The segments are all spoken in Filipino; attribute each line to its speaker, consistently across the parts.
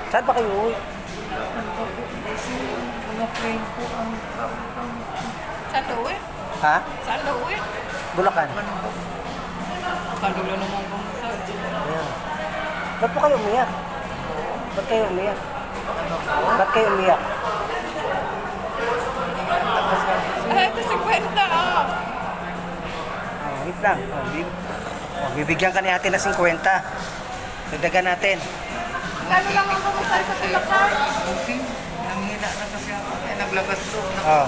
Speaker 1: Saan ba kayo uwi?
Speaker 2: Kasi mga friend ko ang sa Lowe.
Speaker 1: Ha?
Speaker 2: Sa Lowe.
Speaker 1: Bulacan?
Speaker 2: Kalulo naman kung sa
Speaker 1: Ayan. Ba't po kayo umiyak? Ba't kayo umiyak? Ba't kayo umiyak?
Speaker 2: Ay, ito si Kwenta ah.
Speaker 1: Oh, wait lang. Bibigyan ka ni ate na 50. Dagdagan natin.
Speaker 2: Kano lang ang kumusay sa Bulacan?
Speaker 3: Okay. Nanghina na kasi ako. Eh, naglabas to.
Speaker 1: Oh.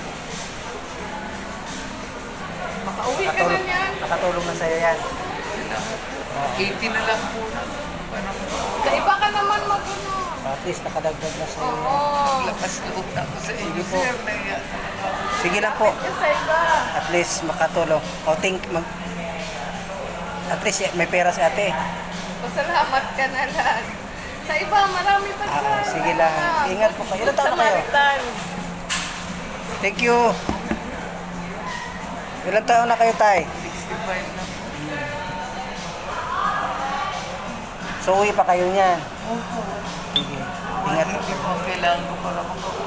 Speaker 2: Makauwi ka na niyan.
Speaker 1: Nakatulong na sa'yo yan.
Speaker 3: 80 na lang po na.
Speaker 2: Sa iba ka naman mag-ano.
Speaker 1: At least nakadagdag na sa'yo.
Speaker 2: Oo.
Speaker 3: Lakas loob na ako sa inyo,
Speaker 1: Sige po.
Speaker 3: sir. Naiya.
Speaker 1: Sige lang po.
Speaker 2: Kapit ka sa iba.
Speaker 1: At least makatulong. At least may pera si ate.
Speaker 2: Pasalamat ka na lang. Sa iba, marami pa dyan.
Speaker 1: Sige lang. Ingat po kayo. Ilan taon na kayo?
Speaker 2: Samaritan.
Speaker 1: Thank you. Ilan taon na kayo, tay?
Speaker 3: 65 na po.
Speaker 1: So, uwi pa kayo niyan.
Speaker 3: Opo.
Speaker 1: Sige. Ingat po.
Speaker 3: Hindi po ang kailangan ko para makauwi.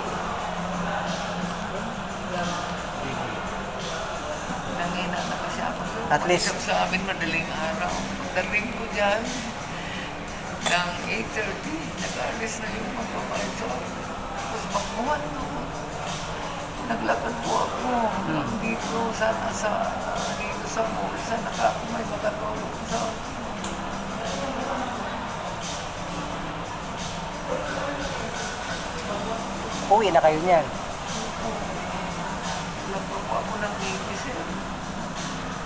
Speaker 3: Nanghina na kasi ako, sir.
Speaker 1: At least-
Speaker 3: Pag-isip sa amin, madaling araw. Daling ko dyan, ng 8:30, nag-alis na yung magbabayad sa akin. Tapos magbuhat doon. Naglakad po ako. Dito, sana dito sa mall, sana ka ako may makatulog sa
Speaker 1: Uwi na kayo niyan.
Speaker 3: Wala po ako ng baby, sir.